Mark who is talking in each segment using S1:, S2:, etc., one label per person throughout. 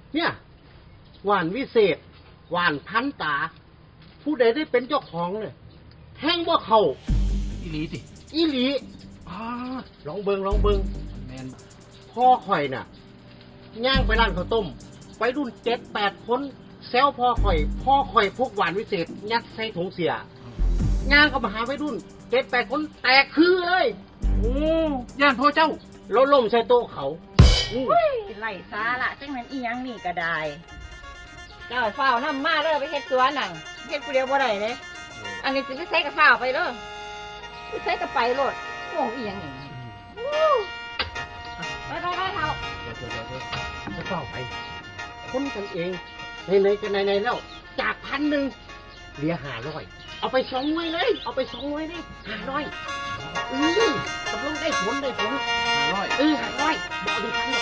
S1: เนี่ยหวานวิเศษหวานพันตา ผู้ใดได้เป็นเจ้าของเลยแห้งบ่เขา
S2: อีหลีสิ
S1: อีหลีลองเบิง
S2: แมน
S1: พ่อข่อยน่ะย่างไปร้านข้าวต้มไปรุ่น7-8คนแซวพ่อข่อยพกหวานวิเศษยัดใส่ถุงเสียย่างก็มาหาไปรุ่น7-8คนแตกคือเลย
S2: โอ้ย่านพ่อเจ้า
S1: แล้วล่มใส่โต๊ะเขา
S3: ไล่ซาละจังนั้นอีหยังนี่ก็ได้เจ้าฝ้าวนำมาเด้อไปเฮ็ดสวนนั่งเฮ็ดผู้เดียวบ่ได้เด้อันนี้สิไปใส่กับฝ้าวไปเด้อไปใส่กับไปโลดโอ้อีหยังนี่ไปเฒ่า
S1: จะเฝ้าไปคนกันเองในกันในแล้วจาก1,000เหลือ500เอาไป2หน่วยเลยเอาไป2หน่วยเลย500ตกลงได้ผล500500บ่เอาดีพันหรอก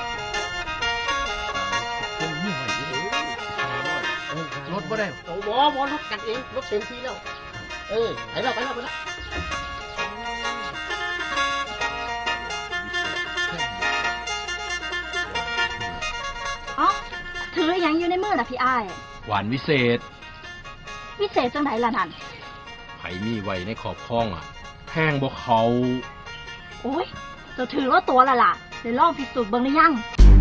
S2: รถบ่ได้
S1: โอ้บ่รถกันเองรถเต็มที่แล้วไปแล้ว
S4: ถือยังอยู่ในมือน่ะพี่อ้าย
S2: หวานวิเศษ
S4: จังไหนล่ะนั่น
S2: ไผมีไว้ในขอบคล้องแพงบ่เขา
S4: โอ้ยจะถือว่าตัวละล่ะเดี๋ยวลองพิสูจน์เบิ่งหรือยัง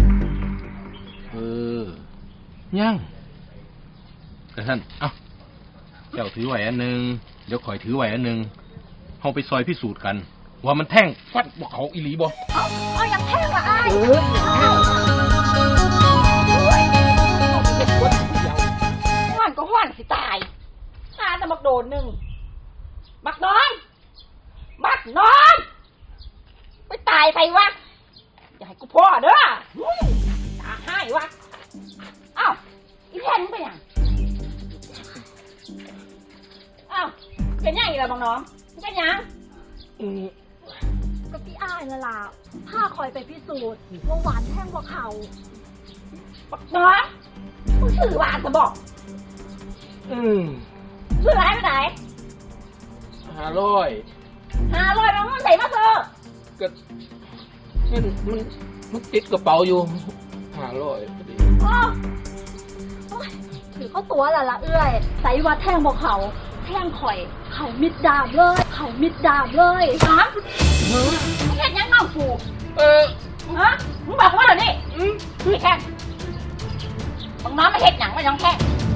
S2: ยังแต่ท่านเจ้าถือไว้อันนึงเดี๋ยวข่อยถือไว้อันนึงเฮาไปซอยพิสูจน์กันว่ามันแท่งฟัดบ่เขาอีหลีบ่
S4: เอาอย่างแท่งละอ้าย
S3: ห้อนก็ห้อนสิตายหาแต่บักโดนนึงบักน้อยไปตายไปวะอย่าให้กูพ่อเด้อตาให้วะอ้าวอีแพนมึงไปยังอ้าวเป็นยังอีกแล้วบักน้องเป็นยัง
S4: ก็พี่อ้ายนั่นล่ะพาคอยไปพิสูจน์ว่าหวานแท่งกว่าเขา
S3: บักน้องมึงสื่อหวานจะบอกสื่อร้ายไปไหน500แล้วมันใส่มาเถอะ
S2: ก็มันติดกระเป๋าอยู่500พอดี
S4: ถือเขาตัวละเอื้อยใส่ว่าแท่งบอกเขาแท่งข่อยเขามิดดาบเลย
S3: ไม่เห็นยังเงาฟูมึงบอกว่าเหรอนี่พี่แค่บังน้องไม่เห็นหนังไม่ยังแค่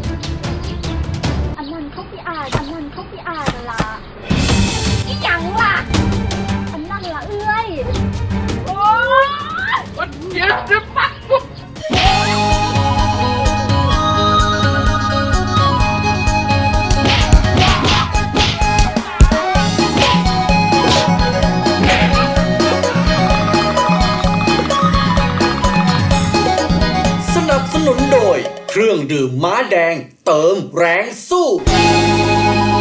S4: อันนั้นเขาพี่อายล่ะ
S3: อีหยังล่ะ
S4: อันนั้นล่ะเอื้อย
S3: โอ้ยวันเดียวจะปักปุ๊บ
S5: สนับสนุนโดยเครื่องดื่มม้าแดงเติมแรงสู้